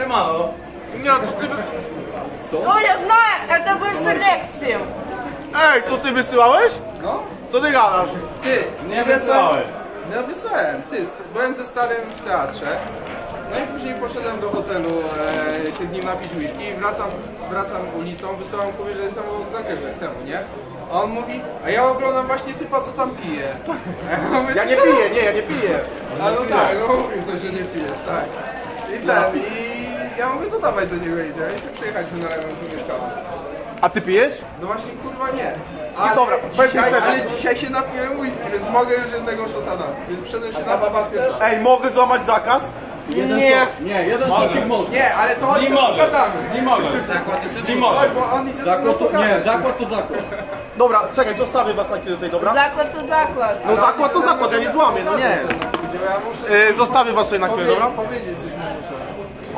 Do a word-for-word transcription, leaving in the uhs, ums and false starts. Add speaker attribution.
Speaker 1: mało.
Speaker 2: Nie, to ty...
Speaker 3: Ну, я знаю, это больше лекции.
Speaker 2: Ej, to ty wysyłałeś?
Speaker 4: No,
Speaker 2: Co ty gadasz?
Speaker 4: ty,
Speaker 1: Nie wysłałem.
Speaker 4: Ja wysłałem, ty, byłem ze starym w teatrze. No i później poszedłem do hotelu e, się z nim napić whisky i wracam, wracam ulicą, wysyłam mówię, że jestem obok zagrywek temu, nie? A on mówi, a ja oglądam właśnie typa, co tam pije. A ja, mówię,
Speaker 2: Ja nie piję, nie, ja nie piję.
Speaker 4: A no tak, no mówił coś, że nie pijesz, tak. I ten, i ja mówię, to dawaj do niego idzie, ja chcę przyjechać tu na lewą tu mieszkamy.
Speaker 2: A ty pijesz?
Speaker 4: No właśnie, kurwa nie. Ale,
Speaker 2: dobra, powiedz mi
Speaker 4: dzisiaj,
Speaker 2: szczerze.
Speaker 4: ale dzisiaj się napiłem whisky, więc mogę już jednego shota dać. Więc wszedłem się na babkę.
Speaker 2: Ej, mogę złamać zakaz?
Speaker 1: Nie. Nie, jeden szocik może.
Speaker 4: Nie, ale to chodź,
Speaker 1: Nie
Speaker 4: co
Speaker 1: mogę.
Speaker 4: pogadamy.
Speaker 1: Nie mogę. Zakład jest nie mogę.
Speaker 4: Chodź, bo on idzie ze mną pogadać.
Speaker 1: zakład to zakład.
Speaker 2: Dobra, czekaj, zostawię was na chwilę tutaj, dobra?
Speaker 3: Заклад то заклад.
Speaker 2: No zakład to zakład, ja nie złamię, no nie.
Speaker 4: Ja muszę
Speaker 2: Yy, zostawię was tutaj na chwilę,
Speaker 4: powie-
Speaker 2: dobra?
Speaker 4: powiedzieć coś